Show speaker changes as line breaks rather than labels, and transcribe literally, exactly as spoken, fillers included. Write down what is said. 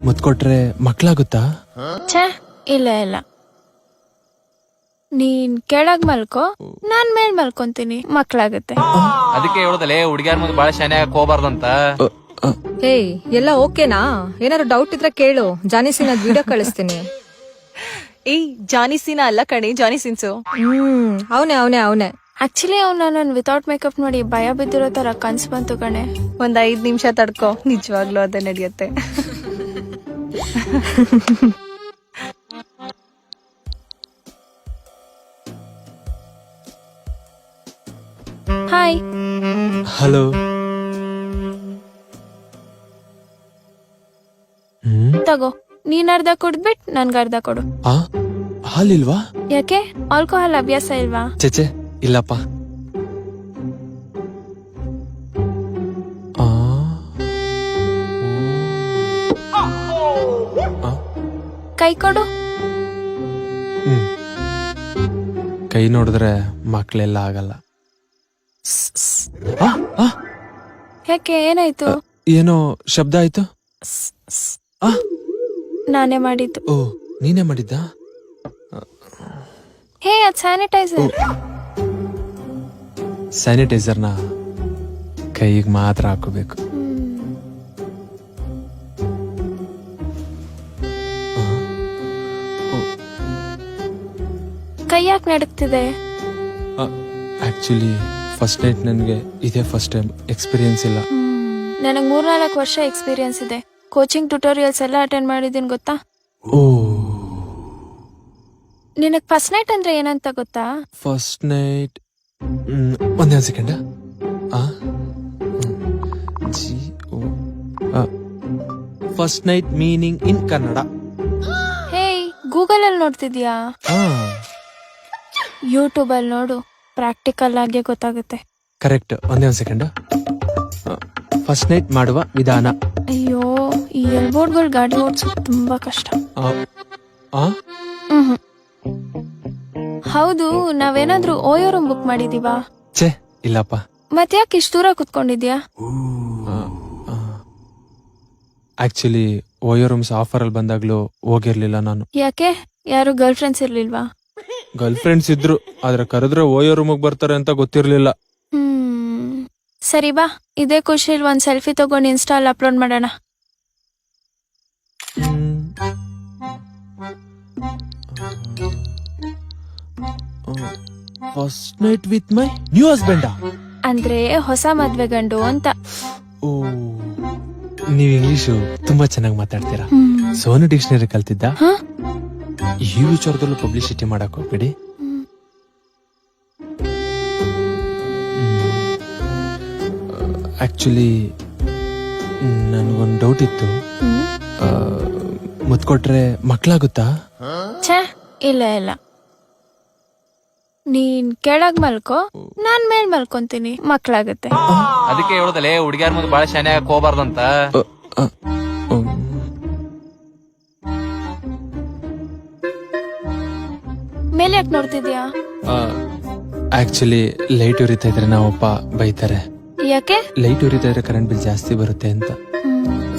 ಮುತ್ಕೊಟ್ರೆ ಮಕ್ಳಾಗುತ್ತಾ?
ಛೇ ಇಲ್ಲ ಇಲ್ಲ, ನೀನ್ ಕೆಳಗ್ ಮಲ್ಕೋ, ನಾನ್ ಮೇಲ್ ಮಲ್ಕೊಂತೀನಿ, ಮಕ್ಳಾಗತ್ತೆ.
ಅದಕ್ಕೆ ಹೇಳೋದಲ್ಲೇ ಹುಡುಗಿಯರ್ ಮುಂದೆ ಬಾಳ ಶಾನೆ ಆಗಕ್ ಹೋಗ್ಬಾರ್ದಂತ.
ಏಯ್ ಎಲ್ಲ ಓಕೆನಾ? ಏನಾದ್ರು ಡೌಟ್ ಇದ್ರೆ ಕೇಳು, ಜಾನಿಸಿನ ವಿಡಿಯೋ ಕಳಿಸ್ತೀನಿ.
ಏಯ್ ಜಾನಿ ಸೀನಾ ಅಲ್ಲ ಕಣೆ, ಜಾನಿ ಸಿನ್ಸು.
ಹ್ಮ್ ಅವನೇ ಅವನೇ ಅವನೇ
ಆಕ್ಚುಲಿ ಅವ್ನ ನನ್ ವಿತೌಟ್ ಮೇಕಪ್ ನೋಡಿ ಭಯ ಬಿದ್ದಿರೋ ತರ ಕನ್ಸ್ ಬಂತು ಕಣೆ.
ಒಂದ್ ಐದ್ ನಿಮಿಷ ತಡ್ಕೋ, ನಿಜವಾಗ್ಲೂ ಅದೇ ನಡೆಯುತ್ತೆ.
ಹಾಯ್.
ಹಲೋ.
ತಗೋ, ನೀನ್ ಅರ್ಧ ಕುಡ್ದ್ಬಿಟ್ ನನ್ಗ ಅರ್ಧ ಕೊಡು.
ಆ ಹಾಲಿಲ್ವಾ?
ಯಾಕೆ, ಆಲ್ಕೋಹಾಲ್ ಅಭ್ಯಾಸ ಇಲ್ವಾ?
ಚೆಚೆ ಇಲ್ಲಪ್ಪ. ಆ, ಆ,
ಕೈ ಕೊಡು.
ಹ್ಮ್. ಕೈ ನೋಡಿದ್ರೆ ಮಕ್ಳೆಲ್ಲ ಆಗಲ್ಲ. ಆ, ಆ,
ಯಾಕೆ, ಏನಾಯ್ತು?
ಏನೋ ಶಬ್ದ ಆಯ್ತು. ಆ,
ನಾನೇ ಮಾಡಿದ್ದು.
ಓ ನೀನೇ ಮಾಡಿದ್ದ?
ಹೇ, ಅದ್ ಸ್ಯಾನಿಟೈಸರ್.
ಸ್ಯಾನಿಟೈಸರ್ನ ಕೈಗೆ ಮಾತ್ರ ಹಾಕೋಬೇಕು.
ಕೈ ಯಾಕೆ ನಡುಕ್ತಿದೆ?
ಆಕ್ಚುಲಿ ಫಸ್ಟ್ ನೈಟ್ ನನಗೆ ಇದೇ ಫಸ್ಟ್ ಟೈಮ್, ಎಕ್ಸ್ಪೀರಿಯನ್ಸ್ ಇಲ್ಲ.
ನನಗ್ ಮೂರ್ನಾಲ್ಕು ವರ್ಷ ಎಕ್ಸ್ಪೀರಿಯನ್ಸ್ ಇದೆ. ಕೋಚಿಂಗ್ ಟ್ಯುಟೋರಿಯಲ್ಸ್ ಎಲ್ಲ ಅಟೆಂಡ್ ಮಾಡಿದೀನಿ, ಗೊತ್ತಾ?
ಓ,
ನಿನಗ್ ಫಸ್ಟ್ ನೈಟ್ ಅಂದ್ರೆ ಏನಂತ ಗೊತ್ತಾ?
ಫಸ್ಟ್ ನೈಟ್ ಒಂದೇ second. G O first night meaning in Kannada.
Hey, Google ಅಲ್ಲಿ ನೋಡ್ತಿದ್ಯಾ? ಯೂಟ್ಯೂಬ್ ಅಲ್ಲಿ ನೋಡು, ಪ್ರಾಕ್ಟಿಕಲ್ ಆಗಿ ಗೊತ್ತಾಗುತ್ತೆ.
ಕರೆಕ್ಟ್, ಒಂದೇ ಒಂದು ಸೆಕೆಂಡ್. ಫಸ್ಟ್ ನೈಟ್ ಮಾಡುವ ವಿಧಾನ.
ಅಯ್ಯೋ, ಈ ಎಲ್ಬೋರ್ಡ್ಗಳು ಗಾಡಿ ಓಡಿಸೋದು ತುಂಬಾ ಕಷ್ಟ.
ಆ
ಹ್ಮ್ ಹೌದು, ನಾವೇನಾದ್ರೂ ಓಯೋ ರೂಮ್ ಬುಕ್ ಮಾಡಿದೀವಾ?
ಛೇ ಇಲ್ಲಪ್ಪ.
ಮತ್ತೆ ಯಾಕೆ ಇಷ್ಟು ದೂರ ಕುತ್ಕೊಂಡಿದ್ಯಾ?
ಆಕ್ಚುಲಿ ಓಯೋ ರೂಮ್ಸ್ ಆಫರ್ ಅಲ್ಲಿ ಬಂದಾಗ್ಲೂ ಹೋಗಿರ್ಲಿಲ್ಲ ನಾನು.
ಯಾಕೆ, ಯಾರು ಗರ್ಲ್ ಫ್ರೆಂಡ್ಸ್ ಇರ್ಲಿಲ್ವಾ?
ಗರ್ಲ್ ಫ್ರೆಂಡ್ಸ್ ಇದ್ರು, ಆದ್ರೆ ಕರೆದ್ರೆ ಓಯೋ ರೂಮಿಗೆ ಬರ್ತಾರೆ ಅಂತ ಗೊತ್ತಿರ್ಲಿಲ್ಲ.
ಹ್ಮ್ ಸರಿ ಬಾ, ಇದೇ ಖುಷಿಲ್ ಒಂದ್ ಸೆಲ್ಫಿ ತಗೊಂಡು ಇನ್ಸ್ಟಾಲ್ ಅಪ್ಲೋಡ್ ಮಾಡೋಣ.
First night with my new ಹಸ್ಬೆಂಡಾ?
ಅಂದ್ರೆ ಹೊಸ ಮದ್ವೆ ಗಂಡು ಅಂತ.
ಓ, ನೀವ್ ಇಂಗ್ಲಿಷು ತುಂಬಾ ಚೆನ್ನಾಗಿ ಮಾತಾಡ್ತೀರಾ. ಸೋನು ಡಿಕ್ಷನರಿ ಕಲ್ತಿದ್ದ? ಈ ವಿಚಾರದಲ್ಲೂ ಪಬ್ಲಿಸಿಟಿ ಮಾಡಕ್ ಹೋಗ್ಬಿಡಿ. ಆಕ್ಚುಲಿ ನನ್ಗೊಂದ್ ಡೌಟ್ ಇತ್ತು. ಮುತ್ಕೊಟ್ರೆ ಮಕ್ಳಾಗುತ್ತಾ?
ಛೇ ಇಲ್ಲ ಇಲ್ಲ, ನೀನ್ ಕೆಳಗ್ ಮಲ್ಕೋ, ನಾನ್ ಮೇಲ್ ಮಲ್ಕೊಂತೀನಿ, ಮಕ್ಳಾಗತ್ತೆ.
ಅದಕ್ಕೆ ಹೇಳೋದಲ್ಲೇ ಹುಡುಗಿಯರ್ ಮುಂದೆ ಬಾಳ ಶಾನೆ ಆಗಕ್ ಹೋಗ್ಬಾರ್ದಂತ.
ಮೇಲೆ ಯಾಕೆ ನೋಡ್ತಿದ್ಯಾ?
ಆಕ್ಚುಲಿ ಲೈಟ್ ಉರಿತಾ ಇದ್ರೆ ನಾವಪ್ಪ ಬೈತಾರೆ.
ಯಾಕೆ?
ಲೈಟ್ ಉರಿತಾ ಇದ್ರೆ ಕರೆಂಟ್ ಬಿಲ್ ಜಾಸ್ತಿ ಬರುತ್ತೆ ಅಂತ.
ಹ್ಮ್